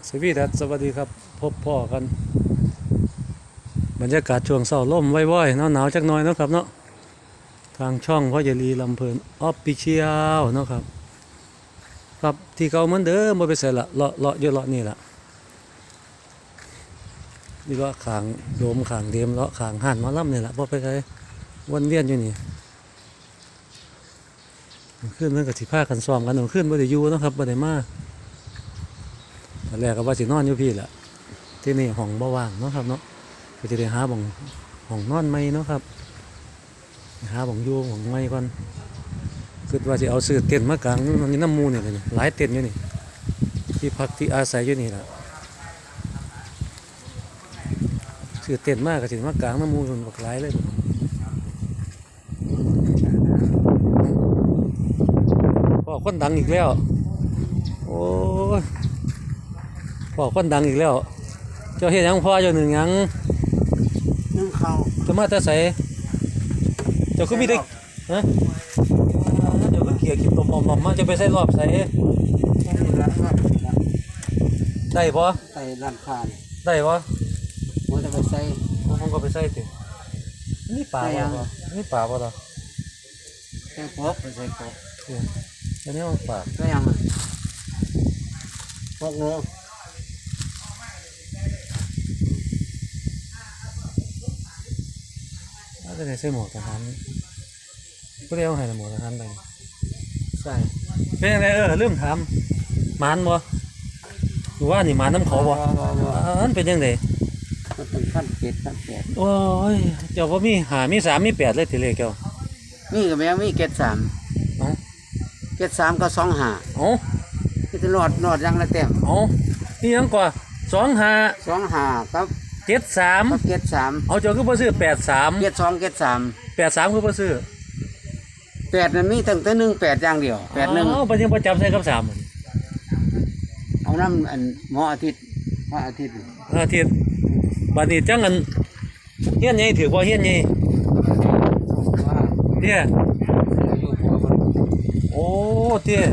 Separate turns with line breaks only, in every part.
สวีดัสสวัสดีครับพบพ่อกันบรรยากาศช่วงเช้าลมว่อยๆหนาวๆจักหน่อยเนาะครับเนาะทางช่องพ่อเยลีลำเพลินออฟฟิเชียลเนาะครับครับที่เก่าเหมือนเดิมบ่ไปใส่ละเลาะอยู่เลาะนี่ละนี่เลาะขางโดมขางเดียมเลาะขางห่านหมอลำนี่แหละบ่ไปไกลวนเวียนอยู่นี่ขึ้นเมื่อกับสิพากันซ้อมกันขึ้นบ่ได้อยู่เนาะครับบ่ได้มาตอนแรกก็ว่าสินอนอยู่พี่แหละที่นี่ห้องบ่ว่างเนาะครับเนาะก็จะได้หาบ่องห้องนอนใหม่เนาะครับหาบ่องอยู่บ่องใหม่ก่อนคิดว่าสิเอาซื้อเต็นท์มากางนี่น้ำมูนี่เลยหลายเต็นท์อยู่นี่ที่พักที่อาศัยอยู่นี่แหละซื้อเต็นท์มากก็สิมากางน้ำมูส่วนบักหลายเลยพ่อคนดังอีกแล้วโอ้ยพ่อคนดังอีกแล้วเจ้าเฮ็ดหยังพ่อเจ้าหนึ่งหยัง
นึ่งข้าว
จะมาแต่ใส่เจ้าคือมีได้ฮะเจ้าคือเขี่ยกินตมมอมมาจะไปใส่รอบใส่ได้ปะ
ใส่ร้านค้า
ได้ปะ
มันจะไปใส่
ผมก็ไปใส่ตินี่ป่าปะนี่ป่าปะต่อ
ใส่พกไปใส่พก
อันนี้มันป่า
ก็ยังพกเนื้อ
จะได้ใส่หมวกทหารก็ได้เอาให้หมวกทหารไป
ใส่
เป็นยังไงลืมถามหมานบ่หรือว่านี่หมานน้ำเขาบ่อันเป็นยังไง
มันเป็นขั้น
โอ้ยเจ้าก็มีมี3มี8เลยทีเลขเจ้า
มีกับแม่มีเกต3เกต3ก็25
อ๋อ
ที่จะนอดยังละเต็ม
อ๋อนี่ยังกว่า25
ครับ
73
เกต3
เอาเจ้าคือบ่ซื้อ83
เกต2เกต3
83คือบ่ซื้อ
8นั้นมีตั้งแต่18อย่างเดียว81
อ๋อบ่ยังบ่จับใส่กับ3
เอาน้ำอันหมออาทิตย์
อาทิตย์บัดนี้จังอันเฮียนใหญ่ถือบ่เฮียนใหญ่เตี้ยโอ้เตี้ย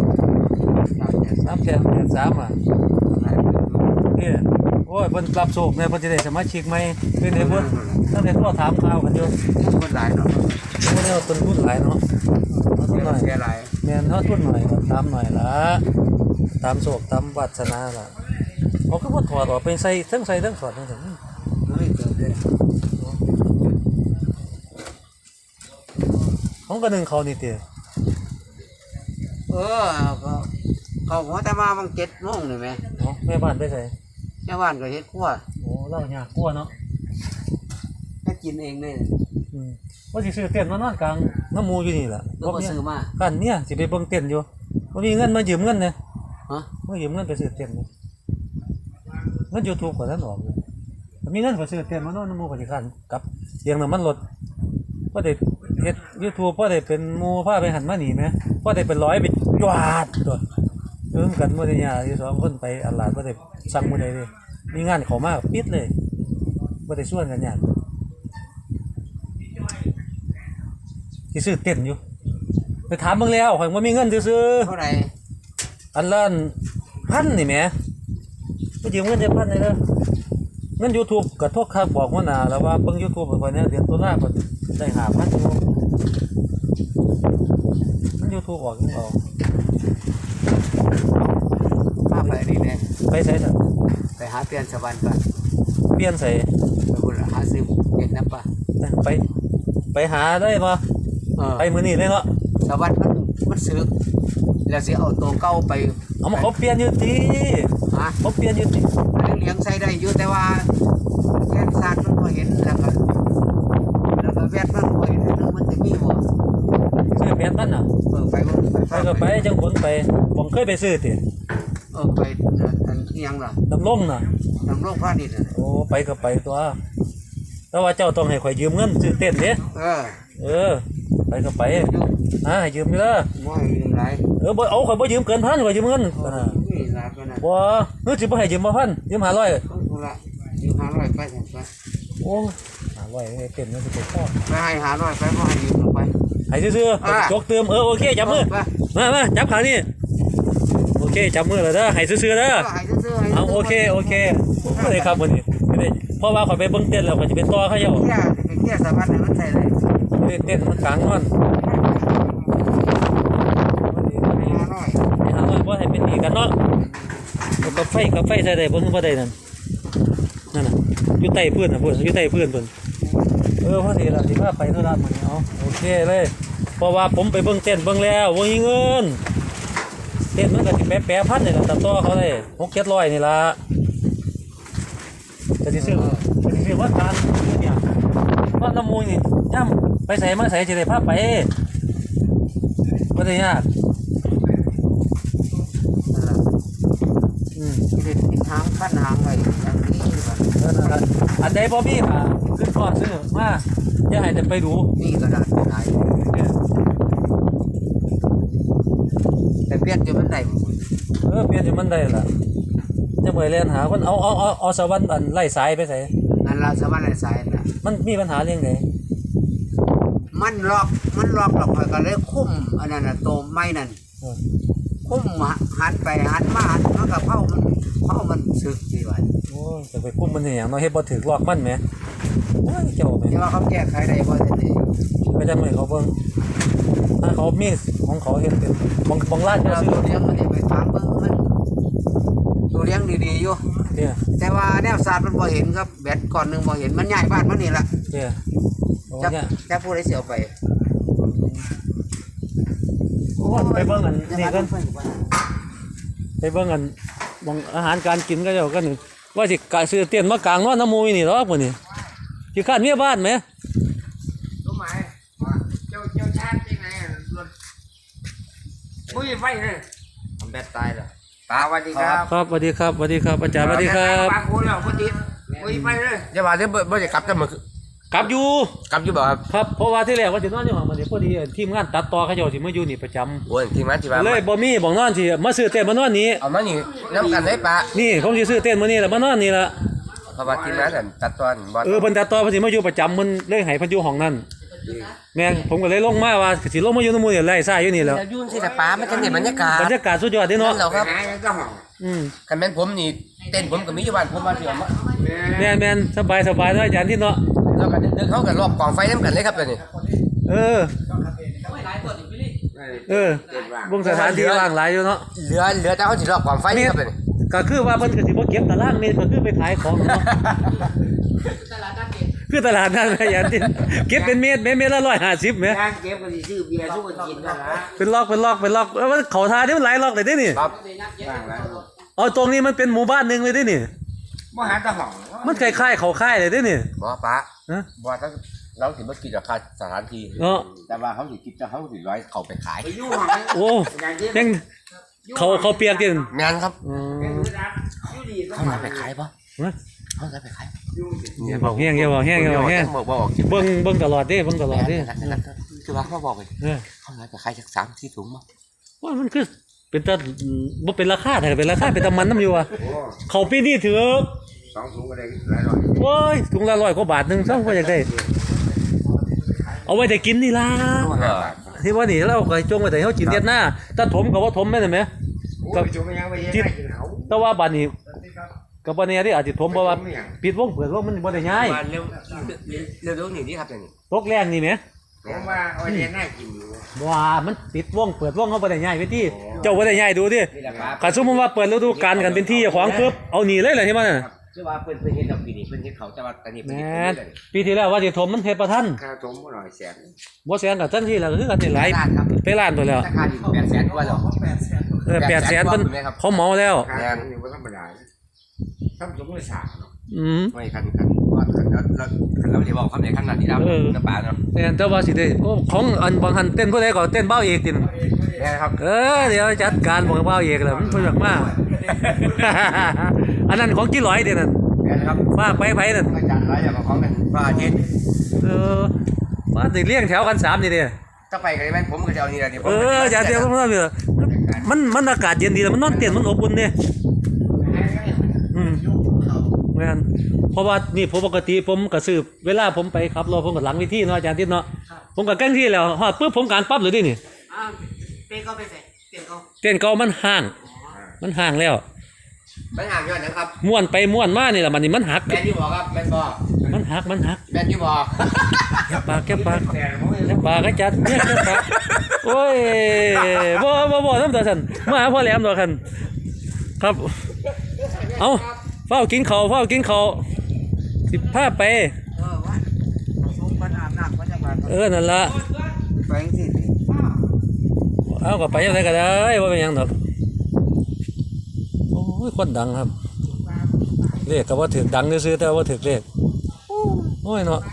383อ่ะเตี้ยโอ้ยเพิ่นรับโชคแม่เพิ่นสิได้สมาชิกใหม่เป็นไดเพิ่นตั้งแต่โทรถามข่าวกันอยู่
คนหลายเนาะ
โอ้เนี่ยต้นทุนหลายเนาะ
ทุนหน่อยแค่หลาย
แม่นเฮาทุนหน่อยก็ตามหน่อยล่ะตามโชคตามวาสนาล่ะเขาก็บ่ถอดออกไปใส่ทั้งถอดทั้งถึงของกระหนึ่งเขานี่เตี๋ย
เขาหัวแต่มาบาง7 โมงนี่ไหม
แม่บ้านไปใส่
แม่บ้านก็เฮ็ดครัว
โอ้เล่ายากกลัวเนาะ
ก็กินเองเลย
ว่าสิซื้อเต็นท์มานอนกลางน้ำมูอยู่นี่แหละ
ก็มาซื้อมา
กันเนี่ยสิไปเบิ่งเต็นท์อยู่บ่มีเงินมายืมเงินเนี่ย
ฮะ
มายืมเงินไปซื้อเต็นท์เนี่ยเงิน YouTube ก็ท่านออกเลยมีเงินก็ซื้อเต็นท์มานอนน้ำมูก็สิคันกับเลี้ยงน้ำมันรถบ่ได้เฮ็ด YouTube บ่ได้เป็นหมู่พาไปหันมานี่แม่บ่ได้เป็น100ไปจวดตัวกันบ่ได้ยากอยู่2คนไปอัลลาดบ่ได้สั่งมื้อใดเลยมีงานเข้ามาปิดเลยบ่ได้ชวนกันยากสิซื้อเต็นท์อยู่ไปถามเบิ่งแล้วข่อยบ่มีเงินซื้อ
เท่าไหร่
อันละ1,000นี่แหมบ่ยืมเงินได้1,000เลยเด้อเงิน YouTube ก็โทรคักบอกหัวหน้าแล้วว่าเบิ่ง YouTube ข่อยเนี่ยเดือนตุลาคมได้5,000อยู่มัน YouTube ออกจังเอา
มาไปนี่แน่
ไปไสซะ
ไปหาเปลี่ยนสวรรค์ก่อน
เปลี่ยนไส
ไปพุ่นหาซื้อเฮ็ดน้ำปลา
ไปหาได้บ่ไปมื้อนี้เลยเนาะ
สวรรค์มันสึกแล้วสิเอาตัวเก่าไป
เอามาเขาเปลี่ยนอยู่ติเขาเปลี่ยนอยู่ติ
เลี้ยงใส่ได้อยู่แต่ว่าแค่ซาดมันบ่เห็นแล้วก็แวดมันบ่เห็นมันสิมีบ่
ซื้อแม่นนั่นน่ะ
ไป
ก็ไปจังผลไปผมเคยไปซื้อติ
ไปอันอีหยังล่ะ
ดำรงน่ะ
ดำรงพาณิชย์
โอ้ไปก็ไปตัวแต่ว่าเจ้าต้องให้ข่อยยืมเงินซื้อเต็นท์เด้ไปก็ไปให้ยืมเด้อ
บ่ให้ยืมหลาย
บ่เอาข่อยบ่ยืมเกิน1,000ข่อยยืมเงินบ่เฮ้ยสิบ่ให้ยืมบ่1,000ยืม500
พุ่นล่ะยืม500ไป
โอ้500เต็นท์มันสิไปพอ
ไปให้500ไปบ่ให้ยืมไป
ให้ซื่อๆจกเติมโอเคจับมือมาจับขานี่โอเคเคจับมือเลยเด้อให้ซื่อๆเด้อ
ให้ซื่อๆให้
เอาโอเคบ่ได้ครับวันนี้ไม่ได้เพราะว่าเขาไปเบิ่งเต้นแล้วก็จะเป็นต่อเขาเจ้า
เที่ยสะบัดให้มันใส่เลย
เต้นมันกลางนอน
น้อย
ไปหาว่าบ่ให้เป็นหนี้กันเนาะเอากาแฟใส่ได้บ่ถึงบ่ได้นั่นน่ะอยู่ใต้พื้นน่ะพุ่นอยู่ใต้พื้นเพิ่นพอดีล่ะสิพาไปธุระมื้อนี้เอาโอเคเลยเพราะว่าผมไปเบิ่งเต้นเบิ่งแล้วบ่มีเงินเต้นมันก็สิแปะพันนี่ล่ะตัดต่อเขาได้6-700นี่ล่ะก็สิซื้อว่าการเนี่ยว่าน้ำมูลนี่ย่ำไปใส่มาใส่จะได้พาไปบ่ได้ยาก
เด็ดติดหางขั้นหางไว้อย่างนี้แบบ
อันใดบ่มีค่ะขึ้นก่อนซื้อมาอย่าให้แต่ไปดู
นี่กระดาษขายแต่เปลี่ยนจนมันได้
เปลี่ยนให้มันได้ล่ะจะเมื่อยเล่นหาคนเอาสวรรค์อันไล่สายไปใส่
นั่นเราสามารถได้สายนะ
มันมีปัญหาเรื่องไหน
มันล็อกหรอกก็เลยคุ้มอันนั้นน่ะโตไม้นั่นคุ้มหันไปหันมามันก็เผามันสึกดีว่า
โอ้ยจะไปคุมมันอย่างเนาะเฮ็ดบ่ถึกลอกมันแหมโอ้ยเจ้าแหม
ที่ว่าเขาแก้ไขได้บ่ทันที
ก็จะไม่เขาเบิ่งถ้าเขามีของเขาเฮ็ดเป็นบางร้านก็
เรา
ซื้อ
ตัวเลี้ยงมันไปถามเบิ่งมันตัวเลี้ยงดีๆอยู่
เนี่ย
แต่ว่าแนวศาสตร์มันบ่เห็นครับแบตก่อนหนึงบ่เห็นมันย้ายบ้านมันนี่ล่ะ
เนี่ยโอ้
จะ
เนี่ย
จะผู้ใดสิเอาไป
ไปเบิ่งอันนี่กันไปเบิ่งอันบางอาหารการกินก็เจ้ากันนี่ว่าสิกะซื้อเตียนมากลางนอนน้ำมูนี่หรอกมื้อนี้สิคร้านเมียบ้านแหม
รู้ไหมว่าเจ้าชาติยังไงรถมุ้ยไฟเลย
ทำแบตตายแล้วตาสวัสดีครับ
ครับสวัสดีครับสวัสดีครับอาจารย์สวัสดีครับ
บางคนแล้วคนติดมุ้ยไฟเลย
อย่าว่าเดี๋ยวบ่จะกลับจะมาก
ลับอยู่
กลับอยู่บ่ครับ
ครับเพราะว่าที่แรกว่าสินอนอยู่ห้องมันนี่พอดีทีมงานตัดต่อเขาเจ้าสิมาอยู่นี่ประจำ
โอ้ยทีมงานที่ว่า
เลยบ่มีบ่นอนสิมาซื้อเต้นมานอนนี่
เอามานี่น้ำกันได้ปะ
นี่ผมสิซื้อเต้นมื้อนี้แล้วมานอนนี่ล่ะ
เพราะว่าทีมงานนั่นตัดตอนบ่
เพิ่นตัดต่อเพิ่นสิมาอยู่ประจำมันเลยให้เพิ่นอยู่ห้องนั้นแม่งผมก็เลยลงมาว่าสิลงมาอยู่นำหมู่นี่ไล่ซ่าอยู่นี่แหล้ว
แล้วยุ่งสิแต่ป้ามันจะเห็นบรรยากาศ
บรรยากาศสุดยอดเด้เนาะ
นั่นเหรอครับ
หายก็ห้อง
คันแม่นผมนี่เต้นผมก็มีอยู่บ้านผมว่าสิเอามา
แม่นสบายเนาะอาจารย์ที่เนาะ
แล้วก็เดินเขากันรอบกองไฟนำกันเลยครับเดี๋ยวนี้
เออวงสถานที่ว่างหลายอยู่เนาะ
เหลือแต่เขาสิรอบกองไฟนี่ครับเดี๋ยวนี้
ก็คือว่าเพิ่นก็สิบ่เก็บตารางนี่ก็คือไปขายของเนาะคือตลาดนัดแม่ยันที่เก็บเป็นเม็ดละ150แหม
ทางเก็บก็สิซื้อเบียร์สู้กันกินนั่นละ
เป็นล็อกแล้วมันเขาทาที่มันหลายล็อกเลยเด้นี่
ครับ
บ้างแล้ว
เอาตรงนี้มันเป็นหมู่บ้านหนึงเลยเด้นี่
บ่หาตะห้อง
มันคล้ายๆเขาค่ายเลยเด้นี่
บ่ป้า
ฮะ
บ่ถ้าเราสิบ่คิดราคาสถานที่
เนาะ
แต่ว่าเขาสิคิดจะเขาสิร้อยเข้าไปขาย
ไปอยู่ห้อง
โอ้
อย่างที่
ยังเขาเปียกกิน
งานครับ
อยู่ดีก็
เขาเอาไปขายบ่
ฮะ
เขาเอาไปขาย
อย่าบอกแห้งอย่าบอกแห้ง
บ่ออกคลิป
เบิ่งตลอดเด้เบิ่งตลอดเด้
คือว่าเขาบอกเลย
เออ
เขาเอาไปขายจาก3-4ถุงมา
ว่ามันคือเป็นตาบ่เป็นราคาแต่เป็นราคาเป็นตะมันน้ำอยู่อ่ะเขาปีนี้ถือ
2 ถุงก็ได้หลายร้อย
โอ้ยถุงละ100 กว่าบาทนึงซ้ำก็อยากได้เอาไว้แต่กินนี่ล่ะที่ว่านี่เราก็จงไว้แต่เฮากินเด็ดหน้าถ้าถมก็ว่าถมแม่นไหม
โอ้ยจุ่มยังไปยังไงกินเขา
แต่ว่าบัดนี้ก็บ่แน่เด้อาจสิถมเพราะว่าปิดวงเปิดวงมันบ่ได้ง่าย
มาเร็วๆนี่ครับอย่างนี้
ตกแรงนี่แหม
ผมว่าเอาเนี่ยน่ากินอยู่
ว่ามันปิดวงเปิดวงเขาบ่ได้ง่ายไปที่เจ้าบ่ได้ง่ายดูดิ
นี่แหละครับ
คันสมมุติว่าเปิดฤดูกาลกันเป็นที่เจ้าของปึ๊บเอาหนีเลยแหละที่มันน่ะ
คือว่าเพิ่นเฮ็ดดอกปีนี้เพิ่นเฮ็ดเขาแต่ว่าตอนนี้เพิ่น
แห
เฮ็ด
ม
เลย
ปีที่แล้วว่าสิถมมันเฮ็ดบ่ทัน
ค่าถมบ่หน่อยแสน
บ่แสนก็ทันทีแล้วก็คือกันนี่หลาย
ล้านครับ
ไปล้านตัวแล้ว
ราคาที่800,000กว่าแล้ว
800,000เพิ่นเขาเหมาแล้ว
ค่าถมนี่บ่ธรรมดาทำสมมุติ3เนาะ
ไม่คันว่าเราสิบอกคำไหนคำนั้นที่เราน้ำปลาเนาะ
แต่ว่าสิได้โอ้ของอันบางหันเต้นผู้ใดก็เต้นเบ้าเอกติ
นี่ครับ
เดี๋ยวจัดการบอกเบ้าเอกแล้วมันเพิ่นอยากมา อันนั้นของกี่ร้อยเด้นั่น
นี่ครับ
ฝากไปไผนั่น
อาจารย์ร้อยอย่างของกันพระอาทิตย์
มาสิเลี้ยงแถวกัน3นี่เด้
ถ้าไปกันแม่นผมก็จะเอานี่ล่ะนี่ผม
อย่าเดี๋ยวมันอากาศเย็นดีแล้วมันนอนเต้นมันอบอุ่นเด้แม่นเพราะว่านี่ผมปกติผมก็ซื้อเวลาผมไปขับรถผมก็หลังเวิธีเนาะอาจารย์ทิศเนาะผมก็กั้งที่แล้วฮอดปึ๊บผมการปั๊บเลยดินี่
เต้นก็ไปใส่เต้นก็
เต้นเก่ามันห่างมันห่างแล้ว
มันห่างย้อนนะครับ
ม้วนไปม้วนมานี่แหละมันนี่มันหัก
แมนยูบอกครับแมนบอก
มันหัก
แมนยูบอก
แก็บปากก็จัดเนี่ยแก็บปากโอ้ยบ่น้ำตาสันมาหาพ่อแหลมตัวคันครับเอาเฝ้ากินข้าวสิพาไป
ว่าสูงปัญหาหนักมาจากบ้าน
นั่นละ
ไปจังซี่
เอาก็ไปยังไงก็ได้ว่าเป็นหยังดอกโอ้ยคนดังครับเลขก็ว่าถึกดังซื้อแต่ว่าถึกเลขโอ้ยเนาะ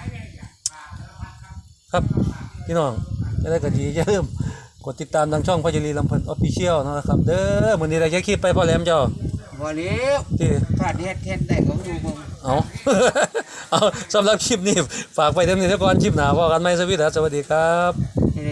ครับพี่น้องอะไรก็ดีอย่าลืมกดติดตามทางช่องพจรีลำเพิ่นออฟฟิเชียลนะครับเด้อมื้อนี้ได้แค่คลิปไปพ่อแหลมเจ้า
วันนี้
ที่
ถ้าเฮ็ดเฮ็ดได้ก็ดูมึง
เอา เอาสำหรับคลิปนี้ฝากไปเท่านี้แล้วก่อนคลิปหน้าพอกันไหมสวัสดีครับ